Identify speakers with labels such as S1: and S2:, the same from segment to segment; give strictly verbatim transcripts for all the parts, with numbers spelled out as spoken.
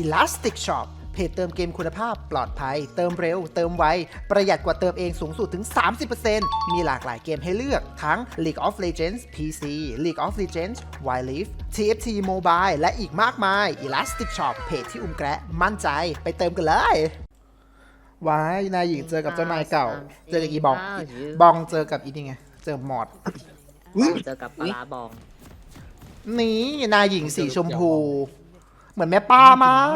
S1: Elastic Shop เพจเติมเกมคุณภาพปลอดภัยเติมเร็วเติมไวประหยัดกว่าเติมเองสูงสุดถึง สามสิบเปอร์เซ็นต์ มีหลากหลายเกมให้เลือกทั้ง League of Legends พี ซี League of Legends Wild Rift ที เอฟ ที Mobile และอีกมากมาย Elastic Shop เพจที่อุ้มแกะมั่นใจไปเติมกันเลยว้ายนายหญิงเจอกับเจ้านายเก่าเจอกับอีบองบองเจอกับอีนี่ไงเจอหมอด
S2: เจอกับปลาร้าบอง
S1: นี่นายหญิงสีชมพู เหมือนแม่ป้ามาก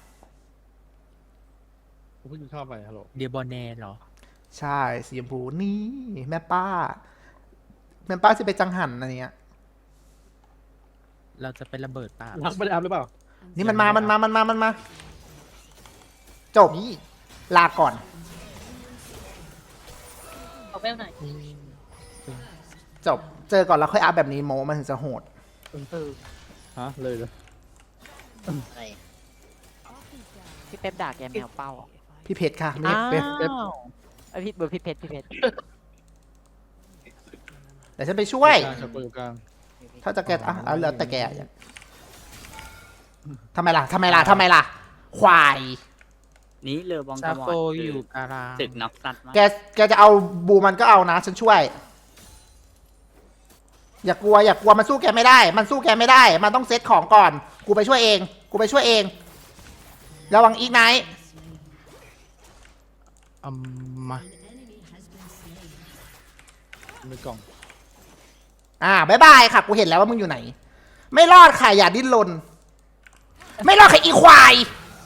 S3: ผมเพิ่งเข้าไปฮัลโหล
S4: เดียบอแนเหรอ
S1: ใช่สีชมพูนี่แม่ป้า แม่ป้าจะไปจังหันอะไรเงี้ย
S4: เราจะไประเบิดป่า
S3: รักไม่ได้อัพหรือเปล่า
S1: นี่มันมา มันมา มันมา มันมา จบนี่ลาก่อน
S2: เอาไปหน่อย
S1: จบ เจอก่อนแล้วค่อยอัพแบบนี้โมมันถึงจะโหด
S2: เออ
S3: ฮะเลยเลย
S2: อะไรพี่เป๊ปด่าแกแมวเป้า
S1: พี่เพชรค่ะ ไม่ใช่เพชร
S2: ไอพี่เบอร์พี่เพชรพี่เพชร
S1: แต่ฉันไปช่วย
S3: กลางครับอยู่กลาง
S1: ถ้าจะแกะอ่ะเอาแล้วแต่แกอ่ะทำไมล่ะทำไมล่ะทำไมล่ะ ควาย
S5: นี่เรือบอง
S4: ซาก
S5: ระมอ
S4: โก
S5: ด
S4: อยู่การาง
S5: ตึกน็อกซัดมาก
S1: แก แกจะเอาบูมันก็เอานะ ฉันช่วย อย่ากลัว อย่ากลัว มันสู้แกไม่ได้ มันสู้แกไม่ได้ มันต้องเซตของก่อน กูไปช่วยเอง กูไปช่วยเอง ระวังอีกไนท์
S4: อืมมา
S3: ในกล่อง
S1: อ่าบายบายค่ะ กูเห็นแล้วว่ามึงอยู่ไหน ไม่รอดค่ะ อย่าดิ้นรน ไม่รอดค่ะอีควาย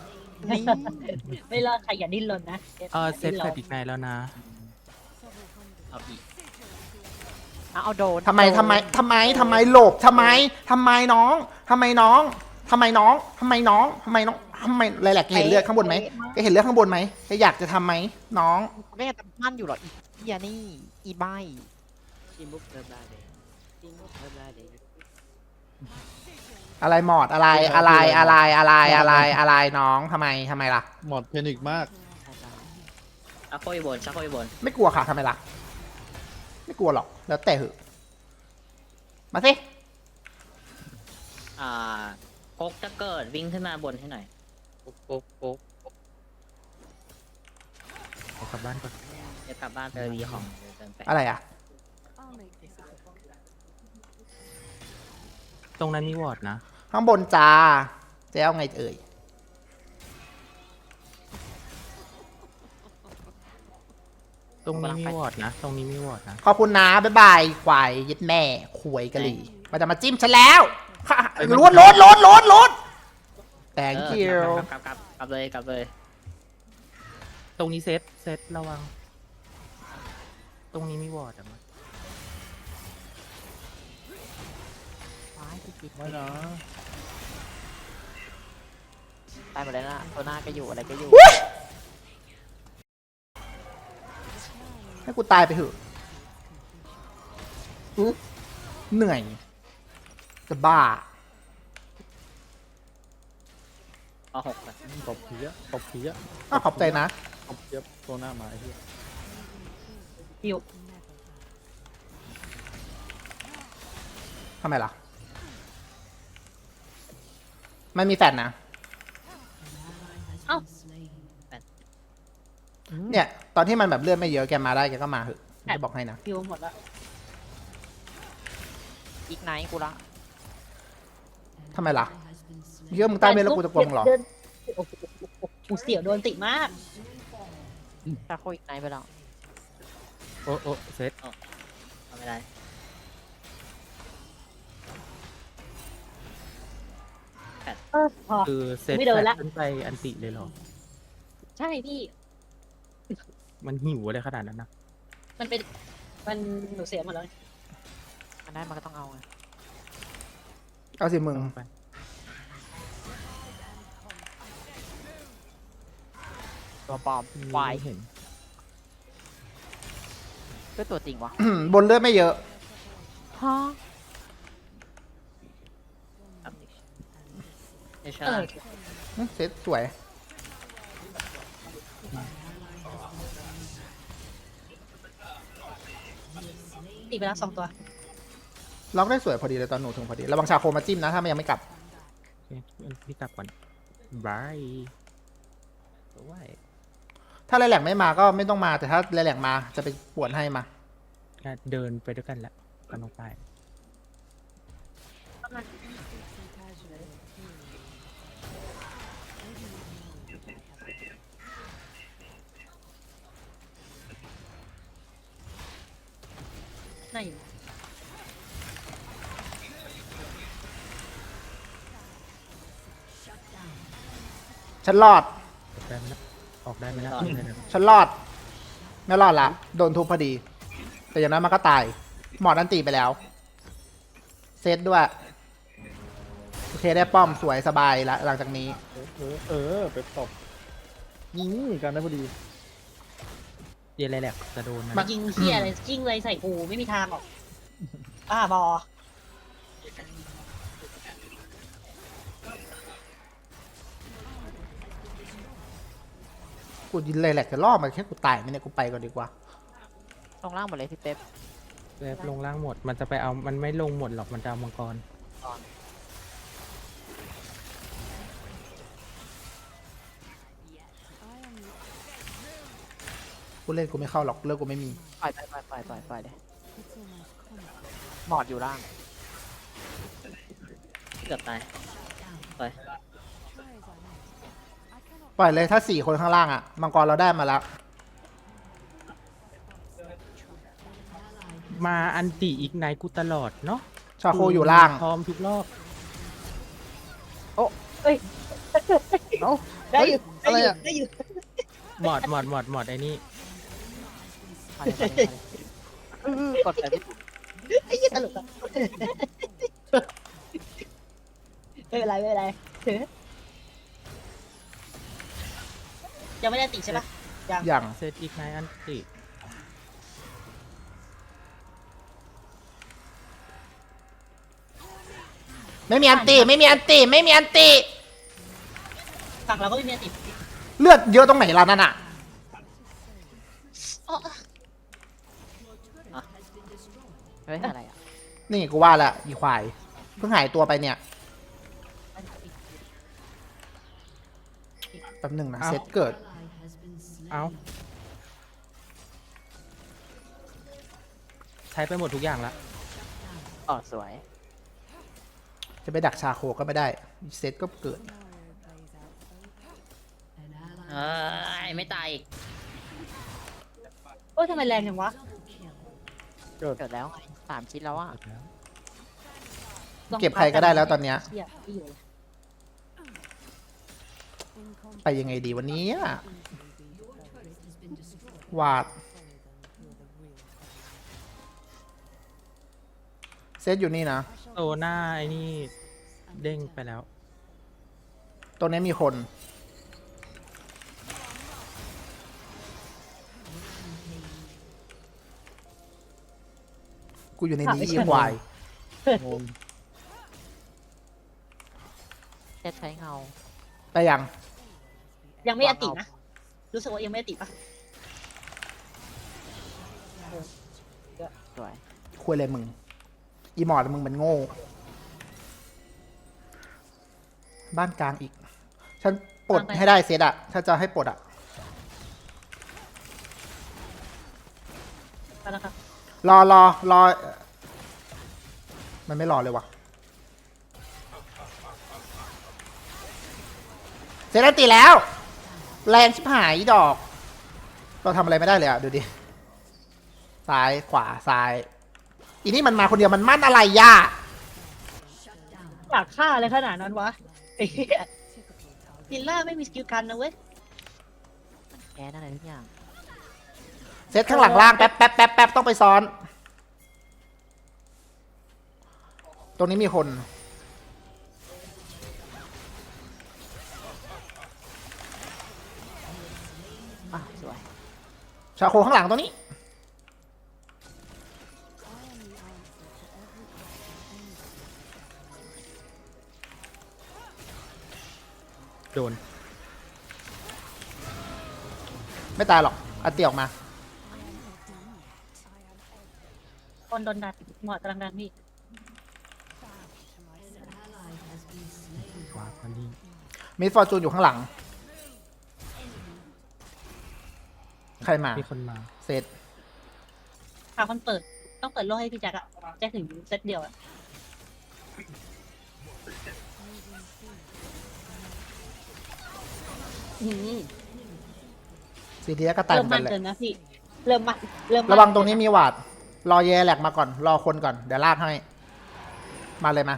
S2: ไม่รอดใครอย่าดิ้นรนนะ
S4: เออเซตแฟลอีกในแล้วนะ
S5: เอาอีก
S2: เอาเอาโดน
S1: ทำไมทำไมทำไมทำไมหลบทำไมทำไมน้องทำไมน้องทำไมน้องทำไมน้องทำไมน้องทำไมอะไรแหละแกเห็นเลือดข้างบนไหมแกเห็นเลือดข้างบนไหมแกอยากจะทำไหมน้อง
S2: ไม่งั้นจะมั่นอยู่หรออีเฮียนี่อีใบ
S5: ทีมบุกเทอร์บาเดย์ทีมบุกเทอร์บาเดย์
S1: อะไรหมอดอะไรอะไรอะไรอะไรอะไรอะไรน้องทำไมทำไมล่ะ
S3: หมดเพนิกมาก
S5: ชักโคยบนชักโคยบน
S1: ไม่กลัวค่ะทำไมล่ะ ไม่กลัวหรอกแล้วแต่เหอะมาสิ
S5: อ่าพกจะเกิดวิ่งขึ้นมาบนให้หน่อย
S3: โป๊กโป๊กโป๊ก
S4: เอากลับบ้านก่อน
S5: จะกลับบ้านไปรีของเดี๋ยวเดินไป
S1: อะไรอ่ะ
S4: ตรงนั้นมีวอร์ดนะ
S1: ข้างบนจ้าจะเอาไงเอ่ย
S4: ตรงนี้มีวอร์ดนะ ตรงนี้มีวอร์ดนะ
S1: ขอบคุณนะบ๊ายบายควายยึดแม่ขวยกะหรี่มันจะมาจิ้มฉันแล้วค่ะล้วนล้วนล้วนล้วนล้วน thank
S5: เอ
S1: you
S5: อกลับกลับกลับกลับเลยกลับเลย
S4: ตรงนี้เซตเซตระวัง ตรงนี้มีวอร์ดอะมั้ย
S2: ว้ายพี่จิต
S3: ไม่นะ
S2: ตายหมดแล้วนะตัวหน้าก็อยู่อะไรก็อยู่
S1: ให้กูตายไปเถอะอุ๊ยเหนื่อย จะบ้า
S5: เอาหกไป
S3: ตบผีอะตบผีอะ
S1: อ้าวขอบใจนะ
S3: ตบเย็บตัวหน้ามาไอ้เหี้ย
S2: หิว
S1: ทำไมล่ะ ไม่มีแฟนนะ
S2: เอ้า
S1: เนี่ย ตอนที่มันแบบเลือดไม่เยอะแกมาได้แกก็มาเถอะจะบอกให้นะ
S2: หิวหมดแล้วอีกไนท์กูละ
S1: ทำไมล่ะเยอะมึงใต้เมฆแล้วกูจะกลัวมึงเหรอ
S2: ดินโอ้โหกูเสียวโดนติมากถ้าโคอีกไนท์ไปแล้ว
S4: โอ้โอ้เซต
S5: เอาไม่ได้
S2: เออพอ
S4: คือเซต
S2: ไม่เดินละ
S4: ขึ้นไปอันติเลยเหรอ
S2: ใช่พี่
S4: มันหิวอะไรขนาดนั้นนะ
S2: มันเป็นมันหนูเสียหมดแล้วมันได้มันก็ต้องเอาไง
S1: เอาสิมึง
S4: ลงไป
S2: ตัวปลอมควาย
S4: ไม่เห็น
S2: ก็ตัวจริงวะ
S1: บนเลือดไม่เยอะ
S2: ฮะ
S5: ครับไม่ใช่
S2: เออ
S1: เซตสวย
S2: ตีไปแล้วสองตัว
S1: ล็อกได้สวยพอดีเลยตอนหนูถึงพอดีระวังชาโคมาจิ้มนะถ้ามันยังไม่กลับ
S4: โอเคพี่กลับก่อนบายด้วย
S1: ถ้าไรแหลกไม่มาก็ไม่ต้องมาแต่ถ้าไรแหลกมาจะไปปวดให้มา
S4: ก็เดินไปด้วยกันแหละกันลงไป
S2: ไหน
S1: ฉันรอด
S4: ออกได้ไหมนะออกได้ไหมนะ
S1: ฉันรอด ไม่รอดละ โดนทุบพอดี แต่อย่างนั้นมันก็ตาย หมอดอันตีไปแล้ว เซตด้วย โอเคได้ป้อมสวยสบายละหลังจากนี้
S3: เออเออเออไปตบอืมกันได้พอดี
S4: เดี๋ยวอะไรแหละจะโดนนะ
S2: มายิงเฮียอะไรยิงเลยใส่กูไม่มีทางหรอกอ่าบอ
S1: กูยินเลยแหละจะล่อมาแค่กูตายไหมเนี่ยกูไปก่อนดีกว่า
S2: ลงล่างหมดเลยพี่เป๊ป
S4: เว็บลงล่างหมด มันจะไปเอามันไม่ลงหมดหรอกมันจะเอามังกร
S1: กูเล่นกูไม่เข้าหรอกเลิกกูไม่มี
S2: ปล่อยไปปล่อยปล่อยปล่อยปล่อยเลยหมอดอยู่ล่าง
S5: เกือบตาย
S1: ปล่อยเลยถ้าสี่คนข้างล่างอะมังกรเราได้มาแล้ว
S4: มาอันติอีกไนกูตลอดเนาะ
S1: ชาโคอยู่ล่าง
S4: พร้อมทุกรอบ
S2: เอ้ย
S1: เอ้า
S2: ได้อยู่
S1: เฮ้ย
S2: ได้อยู่
S1: อะไรอะ
S2: ได้อยู่
S4: หมอดหมอดหมอดหมอดไอ้นี่
S2: ไปเลยไปเลยไปเลยกดไปพี่ไอ้ยี่ตลกอะไม่เป็นไรไม่เป็นไรยังไม่ได้ติใช่ปะยัง
S1: อย่าง
S4: เซตอีกไนอันติ
S1: ไม่มีอันตีไม่มีอันตีไม่มีอันตี
S2: ฝั่งเราก็ไม่มีติ
S1: เลือดเยอะตรงไหนล่ะนั่นอะ
S2: เฮ้ยอะไรอ่ะ
S1: นี่กูว่าและอีควาย เพิ่งหายตัวไปเนี่ยแป๊บหนึ่งนะเซตเกิด
S4: เอาใช้ไปหมดทุกอย่างละ
S2: อ๋อสวย
S1: จะไปดักชาโคก็ไม่ได้เซตก็เกิด
S5: เออไม่ตายอีก
S2: โอ้ยทำไมแรงจังวะ
S3: เกิด
S2: เกิดแล้วไงสามชิ้นแล้วอ่ะ
S1: เก็บใครก็ได้แล้วตอนเนี้ย
S2: เหี้ยไม่อยู่เลย
S1: ไปยังไงดีวันนี้อะวาด เซตอยู่นี่นะ
S4: โตหน้าไอ้นี่เด้งไปแล้ว
S1: ตรงนี้มีคน กูอยู่ในนี้อีควาย
S3: งง
S2: เซตใช้เงา
S1: ไปยัง
S2: ยังไม่อตินะ รู้สึกว่ายังไม่อติปะสวย
S1: คุยอะไรมึง อีหมอดมึงมันโง่ บ้านกลางอีก ฉันปลดให้ได้เซตอะถ้าจะให้ปลดอะ
S2: ไปแล้วครับ
S1: รอรอรอ มันไม่รอเลยวะเซตอันตีแล้ว แรงชิบหายอีดอก เราทำอะไรไม่ได้เลยอะดูดิ ซ้ายขวาซ้าย อีนี่มันมาคนเดียวมันมั่นอะไรย่า
S2: อยากฆ่าอะไรขนาดนั้นวะไอ้เหี้ยลิลล่าไม่มีสกิลกันนะเว้ยแกนั่นอะไรทุกอย่าง
S1: เซตข้างหลังล่างแป๊บแป๊บแป๊บแป๊บต้องไปซ้อน ตรงนี้มีคน
S2: อ่ะสวย
S1: ชาโคข้างหลังตรงนี้
S4: โดน
S1: ไม่ตายหรอกอันตีออกมา
S2: คนโดนดันหมอดกำลังดันพี่
S4: วาพอดี
S1: มิสฟอร์จูนอยู่ข้างหลัง ใครมา
S4: มีคนมา
S1: เซต
S2: พาคนเปิดต้องเปิดโลกให้พี่แจ็คอะแจ็คถึงเซตเดียวอะ อืม
S1: ซีเดียก็ตายเห
S2: เริ่
S1: มื
S2: ม
S1: อน
S2: มั
S1: กัน นแหละ
S2: เกินนะพี่ เริ่มมันเริ่มมั
S1: ระวังตรงนี้มีหวาด รอแย่แหลกมาก่อน รอคนก่อน เดี๋ยวลากให้ มาเลยมา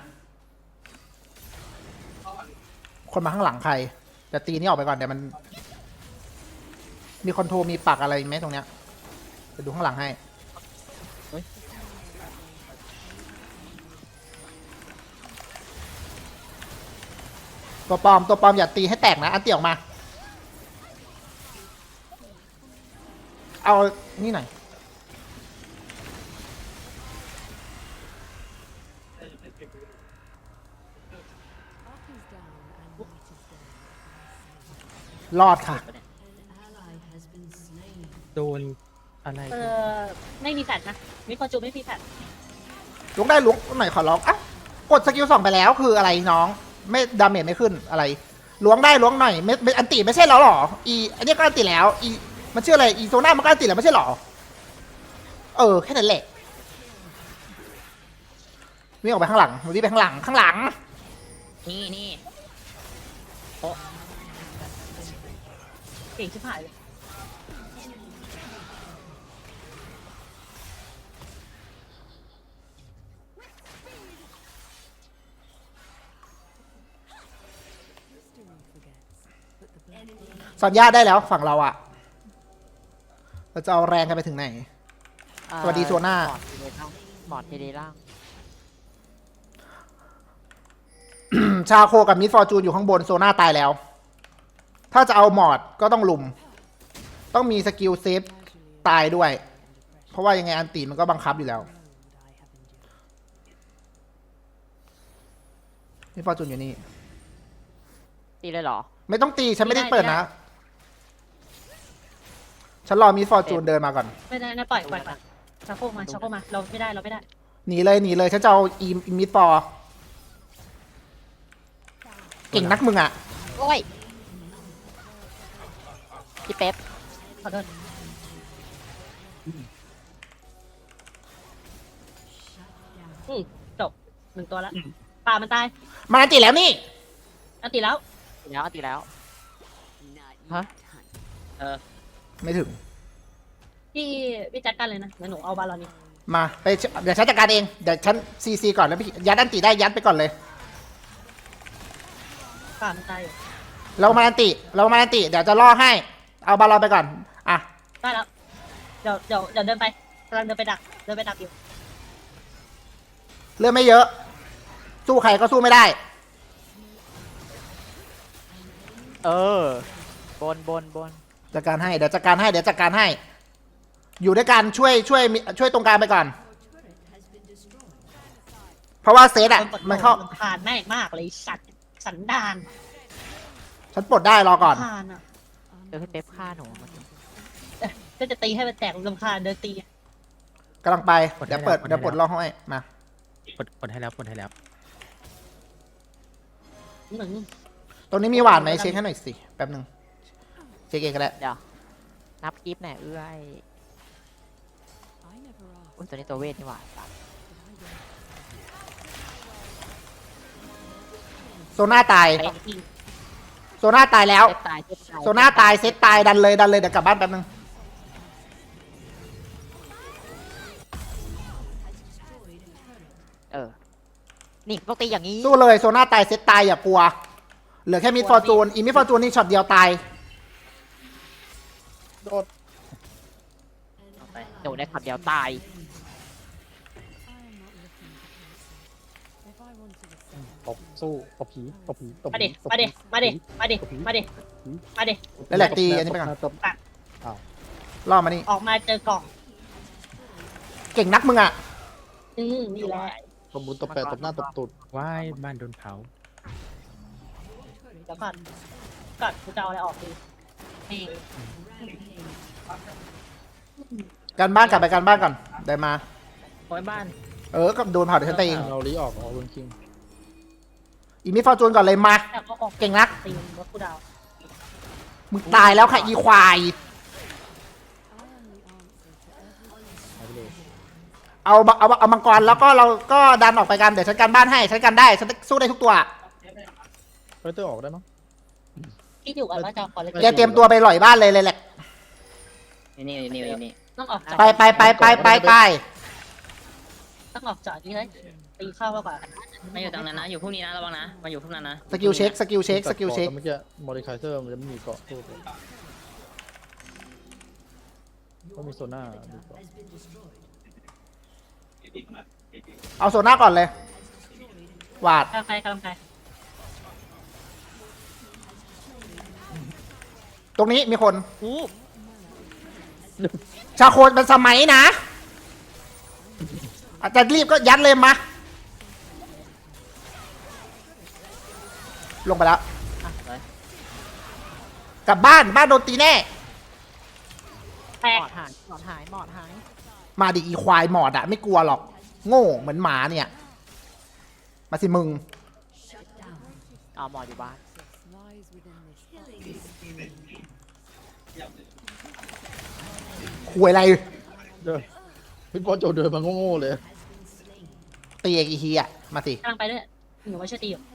S1: คนมาข้างหลังใคร จะตีนี่ออกไปก่อนเดี๋ยวมัน มีคอนโทรมีปักอะไรไหมตรงเนี้ยจะดูข้างหลังให้ ตัวปลอมตัวปลอมอย่าตีให้แตกนะ อันเตียออกมา เอานี่หน่อย รอดค่ะ
S4: โดนอะไร
S2: เออไม่มีแฟดนะมิคอนจูไม่มีแฟด
S1: ลุกได้ลุกหน่อยขอร้องอ่ะกดสกิลสองไปแล้วคืออะไรน้อง ไม่ดาเมจไม่ขึ้นอะไรล้วงได้ล้วงหน่อยไม่ไม่อันติไม่ใช่แล้วหรออีอันนี้ก็อันติแล้วอีมันชื่ออะไรอีโซน่ามันก็อันติแล้วไม่ใช่หรอเออแค่นั้นแหละวิ่งออกไปข้างหลังวิ่งไปข้างหลังข้างหลัง
S5: นี่นี่
S2: เก่งชิบหายเลย
S1: สัญญาได้แล้วฝั่งเราอะเราจะเอาแรงกันไปถึงไหน สวัสดีโซน่า
S5: หมอดทีเดล่าง
S1: ชาโคกับมิสฟอร์จูนอยู่ข้างบนโซน่าตายแล้ว ถ้าจะเอาหมอดก็ต้องลุม ต้องมีสกิลเซฟตายด้วย เพราะว่ายังไงอันตีมันก็บังคับอยู่แล้วมิสฟอร์จูนอยู่นี่
S5: ตีเลยเหรอ
S1: ไม่ต้องตีฉันไม่ได้เปิดนะ ฉันรอมิสฟอร์จูนเดินมาก่อน
S2: ไม่ได้นะปล่อยปล่อยปล่อยชักโครกมาชักโครกมาเราไม่ได้เราไม่ได้
S1: หนีเลยหนีเลยฉันจะเอาอีมิสฟอร์เก่งนักมึงอะ
S5: โอ้ยพี่เป๊ป
S2: ขอโทษอืมจบหนึ่งตัวแล้วปลามันตาย
S1: มาอันติแล้วนี่
S2: อันติแล้ว
S5: ตีแล้วตีแล้ว ฮะ เออ
S1: ไม่ถึง
S2: พี่พี่จัดการเลยนะเดี๋ยวหนูเอาบาลอนนี้
S1: มาไปเดี๋ยวฉันจัดการเองเดี๋ยวฉันซีซีก่อนแล้วพี่ยัดอันติได้ยัดไปก่อนเลย
S2: ปลามันตายอยู่
S1: เรามาอันติ เรามาอันติ เดี๋ยวจะล่อให้ เอาบาลอนไปก่อน อ่ะ
S2: ได้แล้วเดี๋ยวเดี๋ยวเดี๋ยวเดินไปกำลังเดินไปดักเดินไปดักอยู่
S1: เรื่องไม่เยอะ สู้ใครก็สู้ไม่ได้
S5: เออ บนบนบน
S1: จัดการให้ เดี๋ยวจัดการให้ เดี๋ยวจัดการให้ อยู่ด้วยกันช่วยช่วยช่วยตรงกลางไปก่อน เพราะว่าเซตอ่ะ
S2: คปลด
S1: มันเข้า
S2: รำคาญแม่งมากเลยสัตว์สันดาน
S1: ฉันปลดได้รอก่อน
S2: รำคาญอ่ะ
S5: เดี๋ยวพี่เป๊ปฆ่าหนูเมื่อกี้
S2: ก็จะตีให้มันแตกรำคาญเดินตี
S1: กำลังไป เดี๋ยวเปิด เดี๋ยวปลดล่อให้ มา
S4: กดกดให้แล้วกดให้แล้ว
S2: หนึ่ง
S1: ตรงนี้มีหวานไหมเช็คให้หน่อยสิ แป๊บหนึ่งเช็คเองก็ได้
S5: เดี๋ยว นับกิฟต์หน่อยเอื้อยอุ้ยตัวนี้ตัวเวทนี่หว่าสัตว์
S1: โซน่าตาย
S2: สองที
S1: โซน่าตายแล้ว
S5: เซตตายเซตตาย
S1: โซน่าตายเซตตายดันเลยดันเลยเดี๋ยวกลับบ้านแป๊บนึง
S5: เออ นี่ต้องตีอย่างนี้
S1: สู้เลยโซน่าตายเซตตายอย่ากลัว เหลือแค่มิดฟอร์จูนอีมิดฟอร์จูนนี่ช็อตเดียวตาย
S3: โดด
S5: หนูได้ขับเดียวตาย
S3: ตบสู้ตบผีตบผีตบ
S2: มา
S3: ผี
S2: ดิ
S3: ตบ
S2: มาดิ
S3: ผี
S2: มาดิ มาดิ มาดิ มาดิ
S1: แล้วแหละตีอันนี้ไปก่อน
S3: ตบ
S1: ล่อมานี่
S2: ออกมาเจอกล่อง
S1: เก่งนักมึงอ่ะ
S2: อืมนี่แหละ
S3: ตบบุญตบแปะตบหน้าตบตูด
S4: ว่ายบ้านโดนเผา
S2: เดี๋ยวก่อนก่อนกูจะเอาอะไรออกดีนี่
S1: การบ้านกลับไปการบ้านก่อนได้มา
S2: โอยบ้าน
S1: เออกับโดนเผาเดี๋ยวฉันตีเอง
S3: เราลีออกออกลุนคิง
S1: อีมิฟอร์จูนก่อนเลยมา
S2: แต่ก็ออก
S1: เก่งนัก
S2: ตีมรถกูดาว
S1: มึงตายแล้วค่ะอีควาย
S3: หายไปเลย
S1: เอาเอาเอามังกรแล้วก็เราก็ดันออกไปกันเดี๋ยวฉันกันบ้านให้ฉันกันได้ฉันสู้ได้ทุกตัว
S3: ไฟเตอร์ออกได้มั้ง
S2: ที่อยู่กันว่าจะขอเลย
S1: แกเตรียมตัวไปหล่อยบ้านเลยเลยแหละ
S5: นี่นี่นี่นี่
S2: ต้องออกจาก
S1: ไปไปไปไปไปไป
S2: ต้องออกจากนี้เลยตีเข้ามาก่อน
S5: ไม่อยู่ตรงนั้นนะอยู่พวกนี้นะระวังนะมาอยู่พวกนั้นนะ
S1: สกิลเช็คสกิลเช็คสกิลเช็ค
S3: แต่เมื่อกี้มอดิคายเซอร์มันจะไม่มีเกาะสู้เลยก็มีโซน่ามีเกาะ
S1: เอาโซน่าก่อนเลย วาด
S2: กำลังไปกำลังไป
S1: ตรงนี้มีคน
S5: อู้
S1: ชาโคเป็นสมัยนะ อาจจะรีบก็ยัดเลยมา ลงไปแล้ว
S5: อ่ะไป
S1: กลับบ้านบ้านโดนตีแน่
S2: แต
S6: ห
S2: ก
S6: มอดหายหมอดหายหมอดหาย
S1: มาดิอีควายหมอดอะไม่กลัวหรอก โง่เหมือนหมาเนี่ย มาสิมึง
S6: เอาหมอดอยู่บ้าน
S1: คุยอะไร
S3: เดินพี่ปอโจเดินมาโง่ๆเลย
S1: ตีอีกทีอะมาสิ
S2: กำลังไปด้วยหนูว่าช่วยตีอยู่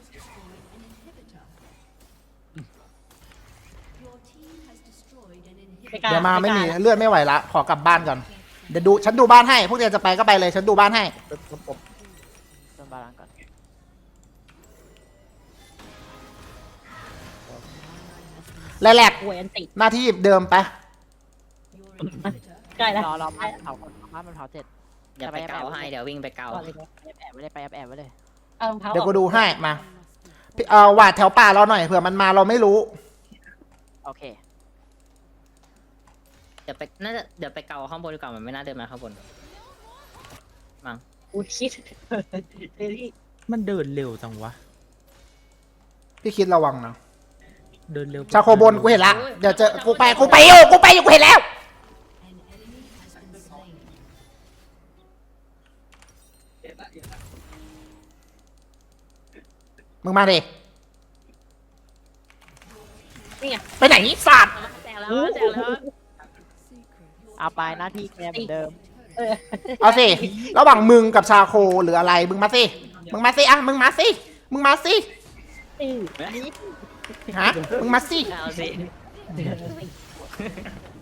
S2: ไปกลง
S1: เดี๋ยวมาไม่มี
S2: ปกลง
S1: เลือดไม่ไหวละ ขอกลับบ้านก่อน เดี๋ยวดูฉันดูบ้านให้ พวกเธอจะไปก็ไปเลย ฉันดูบ้านให้
S3: เป็นระบบ
S6: โดนบาลานซ์ก่อน
S1: แหลก
S2: หวยอันติ
S1: ๆหน้าที่เดิมไป
S2: ใกล้แล้ว
S6: รอรอบ้านเผาคนบ้านมันเผาเสร็จ
S5: เดี๋ยวไปเกาให้เดี๋ยววิ่งไปเกา
S2: ก่อนเลย
S6: แอบแอบไว้เลยไปแอบแอบไว้เลย
S2: เอารองเท้า
S1: เดี๋ยว
S2: อ
S1: กู
S2: อก
S1: ดูให้ มาพี่เอาหวาดแถวป่าเราหน่อย เผื่อมันมาเราไม่รู้
S6: โอเค
S5: เดี๋ยวไปน่าจะเดี๋ยวไปเกาข้างบนดีกว่ามันไม่น่าเดินมาข้างบนมั้ง
S2: กูคิดเฮ้ย
S4: มันเดินเร็วจังวะ
S1: พี่คิดระวังนะ
S4: เดินเร็ว
S1: ชาโคบนกูเห็นละ เดี๋ยวเจอ กูไป กูไปอยู่ กูไปอยู่ กูเห็นแล้ว มึงมาดิ
S2: นี่ไง
S1: ไปไหนสัตว์
S5: แจกแล้วแจกแล้ว
S6: เอาไปหน้าที่แกเหมือนเดิม
S2: เออ
S1: เอาสิ ระหว่างมึงกับชาโคหรืออะไร มึงมาสิ มึงมาสิอ่ะ มึงมาสิ มึงมาสิ
S2: อือ
S1: ฮะ มึงมาสิ
S5: เอาสิ